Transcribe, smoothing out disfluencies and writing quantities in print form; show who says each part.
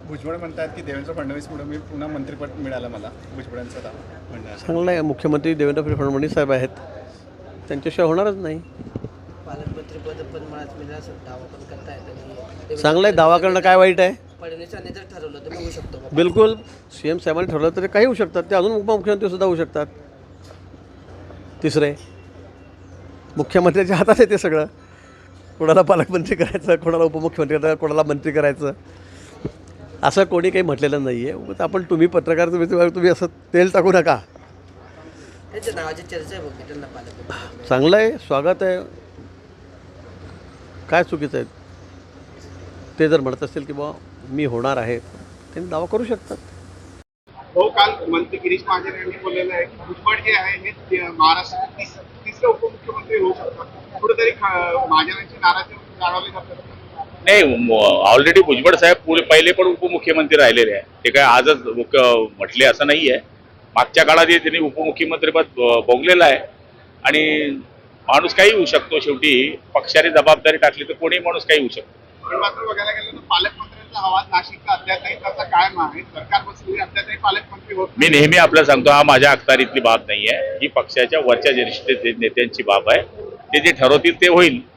Speaker 1: भुजबळ म्हणतात की देवेंद्र फडणवीसमुळे मी पुन्हा मंत्रिपद मिळालं मला. भुजबळांचं दावा म्हणणं आहे.
Speaker 2: चांगलं आहे. मुख्यमंत्री देवेंद्र फडणवीस साहेब आहेत, त्यांच्याशिवाय होणारच नाही.
Speaker 3: पालकमंत्रीपद पण मलाच मिळेल असं दावा पण करता येत.
Speaker 2: चांगलं आहे. दावा करणं काय वाईट आहे?
Speaker 3: फडणवीसांनी जर ठरवलं तर होऊ शकतो.
Speaker 2: बिलकुल. CM साहेबांनी ठरवलं तर काही होऊ शकतात, ते अजून उपमुख्यमंत्रीसुद्धा होऊ शकतात. तिसरे मुख्यमंत्र्याच्या हातात आहे ते सगळं. कोणाला पालकमंत्री करायचं, कोणाला उपमुख्यमंत्री करायचं, कोणाला मंत्री करायचं, असं कोणी काही म्हटलेलं नाही आहे. उगाच आपण तुम्ही पत्रकार तुम्ही असं तेल टाकू नका.
Speaker 3: त्यांच्या नावाची चर्चा आहे बघ त्यांना पालकमंत्री.
Speaker 2: चांगलं आहे, स्वागत आहे. काय चुकीचं आहे? ते जर म्हणत असतील की बा मी होणार आहे, त्यांनी दावा करू शकतात.
Speaker 4: हो, काल मंत्री गिरीश महाजन यांनी बोललेलं आहे की भुजबळ जे आहे हे महाराष्ट्राचे तिसरे उपमुख्यमंत्री होऊ शकतात. कुठेतरी महाजनांची नाराजी जाणवली जाते.
Speaker 5: नाही, ऑलरेडी भुजबळ साहेब पहिले पण उपमुख्यमंत्री राहिलेले आहे. ते काय आजच म्हटले असं नाही आहे. मागच्या काळात त्यांनी उपमुख्यमंत्रीपद भोगलेलं आहे आणि माणूस काही होऊ शकतो. शेवटी पक्षाने जबाबदारी टाकली तर कोणी माणूस काही होऊ शकतो.
Speaker 4: पण मात्र बघायला गेलं तर पालकमंत्र्यांचा आवाज नाशिकचा अद्यापही तसा कायम आहे. सरकार बसलेली अद्यापही पालकमंत्री होत
Speaker 5: मी नेहमी आपल्याला सांगतो, हा माझ्या अखत्यारीतली बाब नाही आहे. ही पक्षाच्या वरच्या ज्येष्ठ नेत्यांची बाब आहे. ते जे ठरवतील ते होईल.